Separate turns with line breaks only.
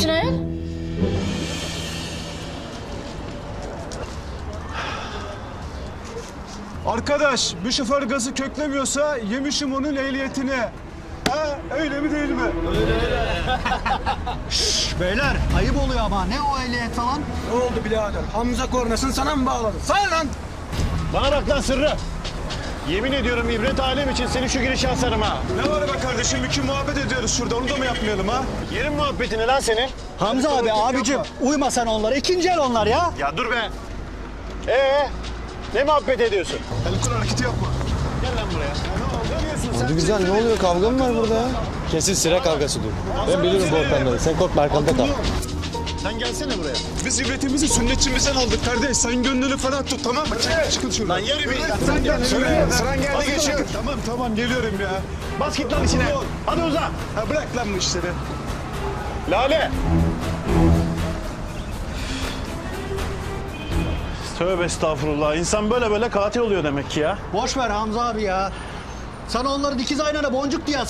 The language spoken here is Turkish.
için ayol?
Arkadaş, bir şoför gazı köklemiyorsa yemişim onun ehliyetini. Ha, öyle mi değil mi?
Beyler ayıp oluyor ama ne o ehliyet falan?
Ne oldu birader? Hamza kornasını sana mı bağladı? Sana lan!
Bana bak lan Sırrı. Yemin ediyorum ibret alem için seni şu girişe asarım ha.
Ne var be kardeşim? İki muhabbet ediyoruz şurada. Onu da mı yapmayalım ha?
Yerin muhabbetini lan seni.
Hamza abi abicim uyma sen onlara. İkinci el onlar ya.
Ya dur be. Ne muhabbet ediyorsun?
El kol hareketi yapma.
Gel lan buraya.
Hadi güzel, ne oluyor? Kavga mı var burada ya? Kesin sıra kavgasıdır. Ben bilirim bu ortamları. Sen korkma, arkamda kal.
Sen gelsene buraya.
Biz ibretimizi sünnetçimizden aldık kardeş. Sen gönlünü ferah tut, tamam mı? Çıkın şuradan.
Lan yürü bir.
Sen gel.
Sıran geldi geçiyor.
Tamam geliyorum ya.
Bas git lan içine. Hadi uza.
Ha, bırak lan bu işleri.
Lale. Tövbe estağfurullah. İnsan böyle katil oluyor demek ki ya.
Boş ver Hamza abi ya. Sana onları dikiz aynana boncuk diye